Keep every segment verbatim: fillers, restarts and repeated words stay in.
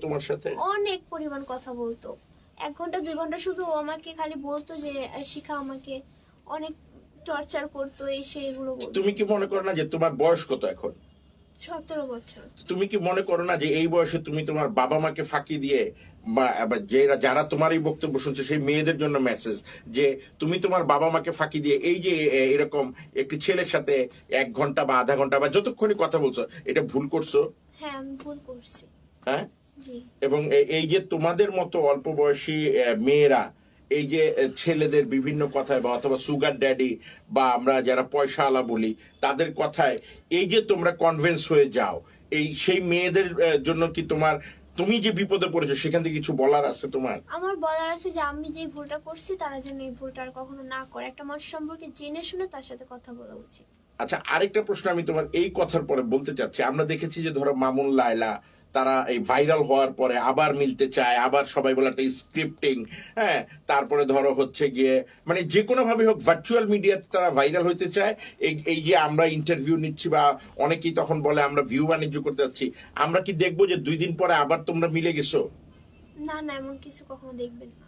তোমার সাথে? অনেক পরিমাণ কথা বলতো, এক ঘন্টা দুই ঘন্টা শুধু ও আমাকে খালি বলতো যে শিখা, আমাকে অনেক টর্চার করতো, এই সে এগুলো বলতো। তুমি কি মনে করো না যে তোমার বয়স কত এখন? সতেরো বছর। তুমি কি মনে করো না যে এই বয়সে তুমি তোমার বাবা মাকে ফাঁকি দিয়ে বা যারা যারা তোমার এই বক্তব্য শুনছে সেই মেয়েদের জন্য মেসেজ, যে তুমি তোমার বাবা মাকে ফাঁকি দিয়ে এই যে এরকম একটি ছেলের সাথে এক ঘন্টা বা আধা ঘন্টা বা যতক্ষণই কথা বলছো, এটা ভুল করছো? হ্যাঁ আমি ভুল করছি। হ্যাঁ, জি। এবং এই যে তোমাদের মতো অল্প বয়সী মেয়েরা এই যে ছেলেদের বিভিন্ন কথায় বা অথবা সুগার ড্যাডি বা আমরা যারা পয়সা আলা বলি তাদের কথায় এই যে তোমরা কনভিন্স হয়ে যাও, এই সেই মেয়েদের জন্য কি তোমার, তুমি যে বিপদে পড়েছো সেখান থেকে কিছু বলার আছে তোমার? আমার বলার আছে যে আমি যে ভুলটা করছি তারা যেন এই ভুলটা আর কখনো না করে, একটা মানুষ সম্পর্কে জেনে শুনে তার সাথে কথা বলা উচিত। আচ্ছা, আরেকটা প্রশ্ন আমি তোমার এই কথার পরে বলতে চাচ্ছি। আমরা দেখেছি যে ধরো মামুন, লায়লা তারা এই ভাইরাল হওয়ার পরে আবার মিলতে চায়, আবার সবাই বলে একটা স্ক্রিপ্টিং, হ্যাঁ, তারপরে ধরো হচ্ছে গিয়ে মানে যে কোনো ভাবে হোক ভার্চুয়াল মিডিয়াতে তারা ভাইরাল হইতে চায়। এই এই যে আমরা ইন্টারভিউ নিচ্ছি বা অনেকেই তখন বলে আমরা ভিউ বাণিজ্য করতে যাচ্ছি, আমরা কি দেখবো যে দুই দিন পরে আবার তোমরা মিলে গেছো? না না, এমন কিছু কখনো দেখবেন না।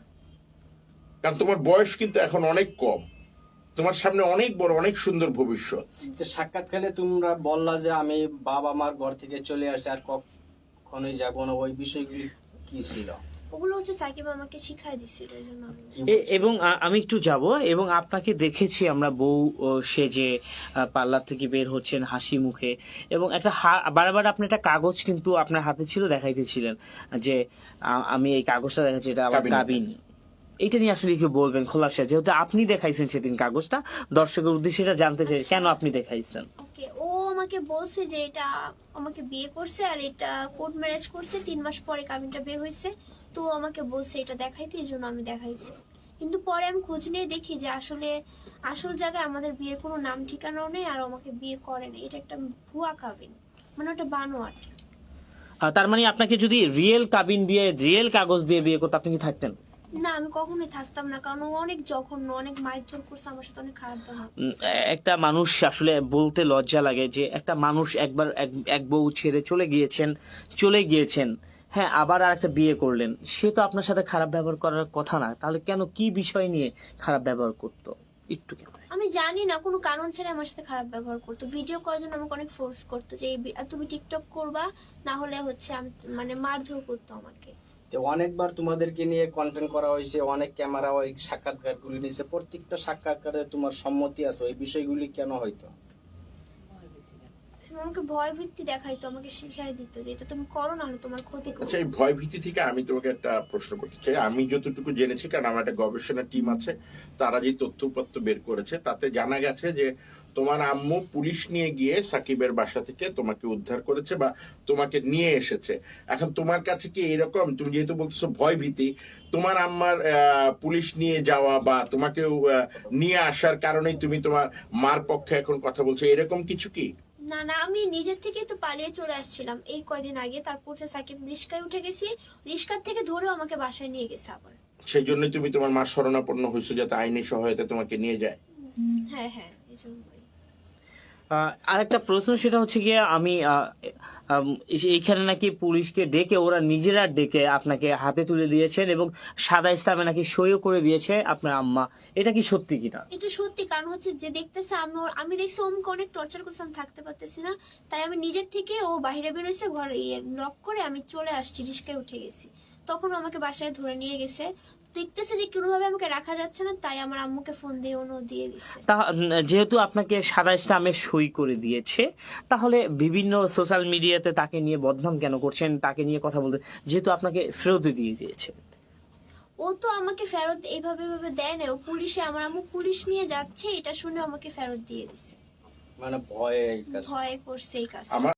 কারণ তোমার বয়স কিন্তু এখন অনেক কম, তোমার সামনে অনেক বড় অনেক সুন্দর ভবিষ্যৎ। সাক্ষাৎকালে তোমরা বললা যে আমি বাবা মার ঘর থেকে চলে আসছি আর কখনোই যাবো না, ওই বিষয়গুলি কি ছিল? ওগুলো হচ্ছে সাকিব আমাকে শিখাই দিছিল, এই জন্য আমি। এবং আমি একটু যাব, এবং আপনাকে দেখেছি আমরা বউ সেজে পার্লার থেকে বের হচ্ছেন হাসি মুখে, এবং একটা বারবার আপনি একটা কাগজ কিন্তু আপনার হাতে ছিল, দেখাইতেছিলেন যে আমি এই কাগজটা দেখাচ্ছি, এটা আমার কাবিন। এটা নিয়ে আসলে কি বলবেন খোলাসা, যেহেতু আপনি দেখাইছেন সেদিন কাগজটা, দর্শকের উদ্দেশ্যে এটা জানতে চাই কেন আপনি দেখাইছেন? ওকে, ও আমাকে বলছে যে এটা আমাকে বিয়ে করছে আর এটা কোর্ট ম্যারেজ করছে, তিন মাস পরে কাবিনটা বের হয়েছে, তো আমাকে বলছে এটা দেখাইতে, এই জন্য আমি দেখাইছি। কিন্তু পরে আমি খোঁজ নিয়ে দেখি যে আসলে আসল জায়গায় আমাদের বিয়ের কোনো নাম ঠিকানাও নেই, আর আমাকে বিয়ে করে না, এটা একটা ভুয়া কাবিন, মানে ওটা বানোয়াট। তার মানে আপনাকে যদি রিয়েল কাবিন দিয়ে রিয়েল কাগজ দিয়ে বিয়ে করতে আপনি কি থাকতেন? না, আমি কখনোই থাকতাম না, কারণ ও অনেক জঘন্য, অনেক মারধর করছে আমার সাথে, অনেক খারাপ ব্যবহার করছে। একটা মানুষ আসলে বলতে লজ্জা লাগে যে একটা মানুষ একবার এক বউ ছেড়ে চলে গিয়েছেন চলে গিয়েছেন হ্যাঁ, আবার আর একটা বিয়ে করলেন, সে তো আপনার সাথে খারাপ ব্যবহার করার কথা না, তাহলে কেন, কি বিষয় নিয়ে খারাপ ব্যবহার করতো একটু? আমি জানি না, কোনো কারণ ছাড়া আমার সাথে খারাপ ব্যবহার করতো, ভিডিও করার জন্য আমাকে অনেক ফোর্স করতো যে তুমি টিকটক করবা, না হলে হচ্ছে মানে মারধর করতো আমাকে। অনেকবার তোমাদেরকে নিয়ে কন্টেন্ট করা হয়েছে, অনেক ক্যামেরা ওই সাক্ষাৎকারগুলি নিয়েছে, প্রত্যেকটা সাক্ষাৎকারে তোমার সম্মতি আছে, ওই বিষয়গুলি কেন হয়তো? আমাকে ভয় ভীতি দেখাইতো, আমাকে শিখাই দিত যে এটা তুমি করো না, তোমার ক্ষতি করবে। আচ্ছা, এই ভয় ভীতি থেকে আমি তোমাকে একটা প্রশ্ন করতে চাই। আমি যতটুকু জেনেছি, কারণ আমার একটা গবেষণা টিম আছে, তারা যে তথ্যপত্র বের করেছে তাতে জানা গেছে যে তোমার আম্মু পুলিশ নিয়ে গিয়ে সাকিবের বাসা থেকে তোমাকে উদ্ধার করেছে বা তোমাকে নিয়ে এসেছে। এখন তোমার কাছে কি এরকম, তুমি যেহেতু বলতেছো ভয় ভীতি, তোমার আম্মার পুলিশ নিয়ে যাওয়া বা তোমাকে নিয়ে আসার কারণেই তুমি তোমার মার পক্ষে এখন কথা বলছো, এরকম কিছু কি? না না, আমি নিজের থেকে তো পালিয়ে চলে আসছিলাম এই কয়দিন আগে, তারপর সাকিব রিস্কায় উঠে গেছি, রিস্কার থেকে ধরেও আমাকে বাসায় নিয়ে গেছে আবার। সেই জন্যই তুমি তোমার মার শরণাপন্ন হয়েছো, যাতে আইনি সহায়তা তোমাকে নিয়ে যায়। হ্যাঁ হ্যাঁ, এই জন্য। আরেকটা প্রশ্ন, সেটা হচ্ছে গিয়ে আমি এইখানে নাকি পুলিশকে ডেকে ওরা নিজেরা ডেকে আপনাকে হাতে তুলে দিয়েছেন এবং সাদা ইসলামে নাকি সইও করে দিয়েছে আপনার আম্মা, এটা কি সত্যি কিনা? এটা সত্যি, কারণ হচ্ছে যে দেখতেছে আমি আমি দেখছি ওমকে অনেক টর্চার করছে, আমি থাকতে পারতেছি না, তাই আমি নিজের থেকে, ও বাইরে বেরোইছে ঘরে লক করে, আমি চলে আসছি, রিস্কায় উঠে গেছি, তখন আমাকে বাসায় ধরে নিয়ে গেছে, দেখতেছে যে কোনোভাবে আমাকে রাখা যাচ্ছে না, তাই আমার আম্মুকে ফোন দিয়ে ওনো দিয়ে দিচ্ছে। যেহেতু আপনাকে সাদা ইসলামে সই করে দিয়েছে, তাহলে বিভিন্ন সোশ্যাল মিডিয়াতে তাকে নিয়ে বদনাম কেন করছেন, তাকে নিয়ে কথা বলতে, যেহেতু আপনাকে ফেরত দিয়ে দিয়েছে? ও তো আমাকে ফেরত এইভাবে ভাবে দেয় না, ও পুলিশে, আমার আম্মু পুলিশ নিয়ে যাচ্ছে এটা শুনে আমাকে ফেরত দিয়ে দিছে, মানে ভয়ে ভয় করছে এই কাজ।